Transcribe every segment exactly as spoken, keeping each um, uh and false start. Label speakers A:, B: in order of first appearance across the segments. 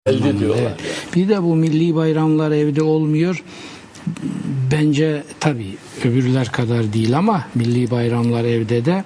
A: Elde diyorlar.
B: Evet. Bir de bu milli bayramlar evde olmuyor. Bence tabii öbürler kadar değil ama milli bayramlar evde de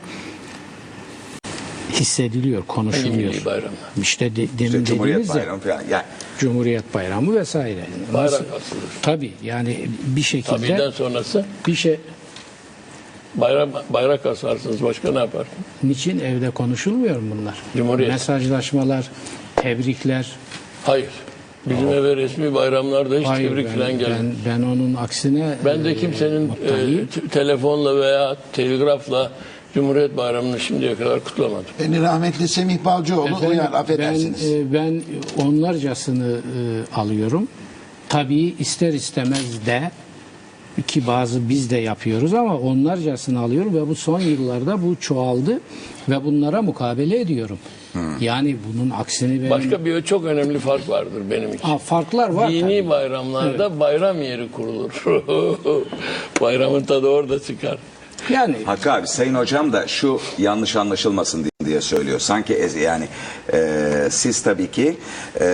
B: hissediliyor, konuşuluyor.
A: Milli bayramlar.
B: İşte de, demin
C: İşte
B: dediğimiz
C: Cumhuriyet
B: ya,
C: Bayramı falan. Yani
B: Cumhuriyet Bayramı vesaire.
A: Bayrak
B: Nasıl?
A: asılır.
B: Tabii yani bir şekilde
A: Tabii'den sonrası
B: bir şey
A: bayram, bayrak asarsınız. Başka ne yaparsınız?
B: niçin evde konuşulmuyor mu bunlar?
A: Cumhuriyet.
B: Mesajlaşmalar, tebrikler.
A: Hayır. Bizim eve resmi bayramlarda hiç
B: Hayır,
A: tebrik
B: ben,
A: falan gelmedi.
B: ben, ben onun aksine
A: Ben de
B: e,
A: kimsenin
B: mutluyum.
A: e, t- telefonla veya telgrafla Cumhuriyet Bayramı'nı şimdiye kadar kutlamadım.
D: Beni rahmetli Semih Balcıoğlu
B: Efendim,
D: uyar, affedersiniz.
B: Ben, e, ben onlarcasını e, alıyorum. Tabii ister istemez de ki bazı biz de yapıyoruz ama onlarcasını alıyorum ve bu son yıllarda bu çoğaldı ve bunlara mukabele ediyorum. Yani bunun aksini benim...
A: Başka bir çok önemli fark vardır benim için.
B: Ha, farklar var
A: Dini
B: tabii.
A: bayramlarda bayram yeri kurulur. Bayramın tadı orada çıkar.
B: Yani
C: Hakkı abi, Sayın Hocam da şu yanlış anlaşılmasın diye- diye söylüyor. Sanki ez- yani e, siz tabii ki e,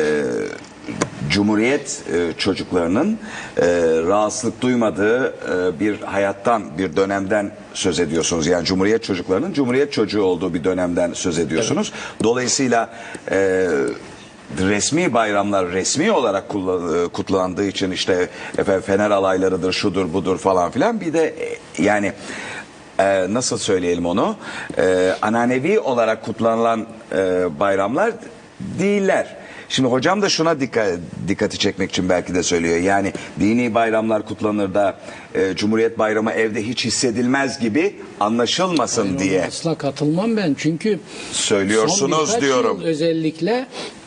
C: Cumhuriyet e, çocuklarının e, rahatsızlık duymadığı e, bir hayattan, bir dönemden söz ediyorsunuz. Yani Cumhuriyet çocuklarının Cumhuriyet çocuğu olduğu bir dönemden söz ediyorsunuz. Dolayısıyla e, resmi bayramlar resmi olarak kullan- kutlandığı için işte efendim Fener alaylarıdır, şudur budur falan filan. Bir de e, yani e, nasıl söyleyelim onu, e, ananevi olarak kutlanılan e, bayramlar değiller. Şimdi hocam da şuna dikkat, dikkati çekmek için belki de söylüyor. Yani dini bayramlar kutlanır da e, Cumhuriyet Bayramı evde hiç hissedilmez gibi anlaşılmasın diye
B: asla katılmam ben çünkü
C: söylüyorsunuz
B: son birkaç
C: diyorum.
B: yıl özellikle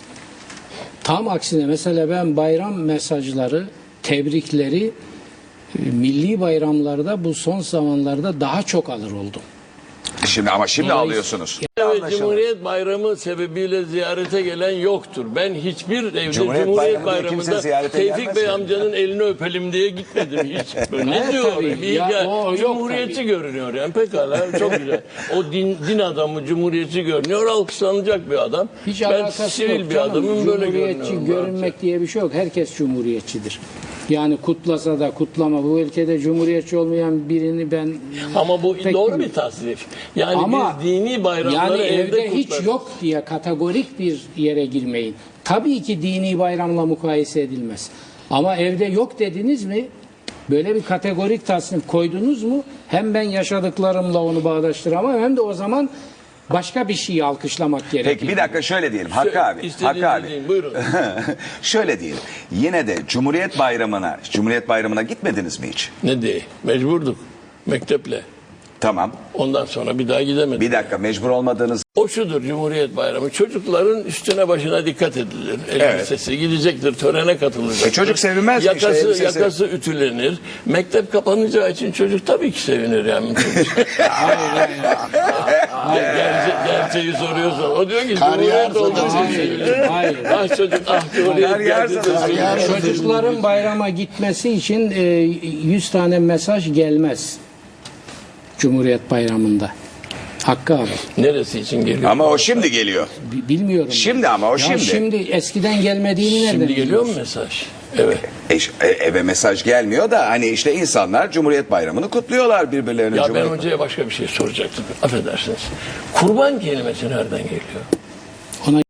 B: tam aksine mesela ben bayram mesajları, tebrikleri e, milli bayramlarda bu son zamanlarda daha çok alır oldum.
C: Şimdi ama şimdi
B: Dolayısıyla-
C: alıyorsunuz.
A: Evet, Cumhuriyet Bayramı sebebiyle ziyarete gelen yoktur. Ben hiçbir evde
C: Cumhuriyet
A: Cumhuriyet,
C: Bayramı diye kimse
A: Bayramı'nda
C: ziyarete
A: Tevfik
C: gelmez
A: Bey
C: mi?
A: amcanın elini öpelim diye gitmedim hiç. Ne
B: Evet,
A: diyor?
B: tabii.
A: Bir
B: Ya,
A: hikaye-
B: o yok
A: Cumhuriyetçi
B: tabii.
A: görünüyor yani pekala çok güzel. O din, din adamı Cumhuriyetçi görünüyor, alkışlanacak bir adam.
B: Hiç
A: ben
B: alakası
A: sivil
B: yok
A: bir
B: canım.
A: adamım, böyle
B: Cumhuriyetçi
A: görünüyorum.
B: görünmek diye bir şey yok. Herkes cumhuriyetçidir. Yani kutlasa da kutlama bu ülkede cumhuriyetçi olmayan birini ben
A: Ama bu
B: pek
A: doğru
B: bilmiyorum.
A: bir tasnif. Yani
B: Ama
A: biz dini bayramları
B: yani
A: evde,
B: evde hiç
A: kutlarız.
B: yok diye kategorik bir yere girmeyin. Tabii ki dini bayramla mukayese edilmez. Ama evde yok dediniz mi? Böyle bir kategorik tasnif koydunuz mu? Hem ben yaşadıklarımla onu bağdaştıramam hem de o zaman başka bir şeyi alkışlamak gerekiyor.
C: Peki bir dakika şöyle diyelim Hakkı abi.
A: İstediğiniz
C: Hakkı abi.
A: deyin, buyurun.
C: Şöyle diyelim. Yine de Cumhuriyet Bayramı'na, Cumhuriyet Bayramı'na gitmediniz mi hiç?
A: Ne diye? Mecburduk. Mekteple.
C: Tamam.
A: Ondan sonra bir daha gidemedik.
C: Bir dakika, mecbur olmadığınız
A: O şudur Cumhuriyet Bayramı. Çocukların üstüne başına dikkat edilir. Elbisesi gidecektir, törene katılacak.
C: E çocuk sevinmez mi işte,
A: yakası,
C: elbisesi?
A: yakası ütülenir. Mektep kapanacağı için çocuk tabii ki sevinir yani. Gerçe, gerçeği soruyorsun. O diyor ki
D: Kariyer
A: Cumhuriyet olduğu için
B: Hayır,
A: seviniyor.
B: hayır.
A: Ah çocuk, ah Cumhuriyet
C: Kariyer
A: geldi de
C: zaten.
A: seviniyor.
B: Çocukların bayrama gitmesi için e, yüz tane mesaj gelmez. Cumhuriyet Bayramı'nda. Hakkı abi.
A: Neresi için geliyor?
C: ama o şimdi geliyor.
B: Bi- Bilmiyorum.
C: Şimdi
B: ben.
C: ama o
B: Ya
C: şimdi.
B: şimdi eskiden gelmediğini nereden
A: Şimdi geliyor mu
B: biliyorsun?
A: mesaj? Evet.
C: E, e, eve mesaj gelmiyor da hani işte insanlar Cumhuriyet Bayramı'nı kutluyorlar birbirlerine.
A: Ya ben
C: Cumhuriyet...
A: hocaya başka bir şey soracaktım. Affedersiniz. Kurban kelimesi nereden geliyor?
B: Ona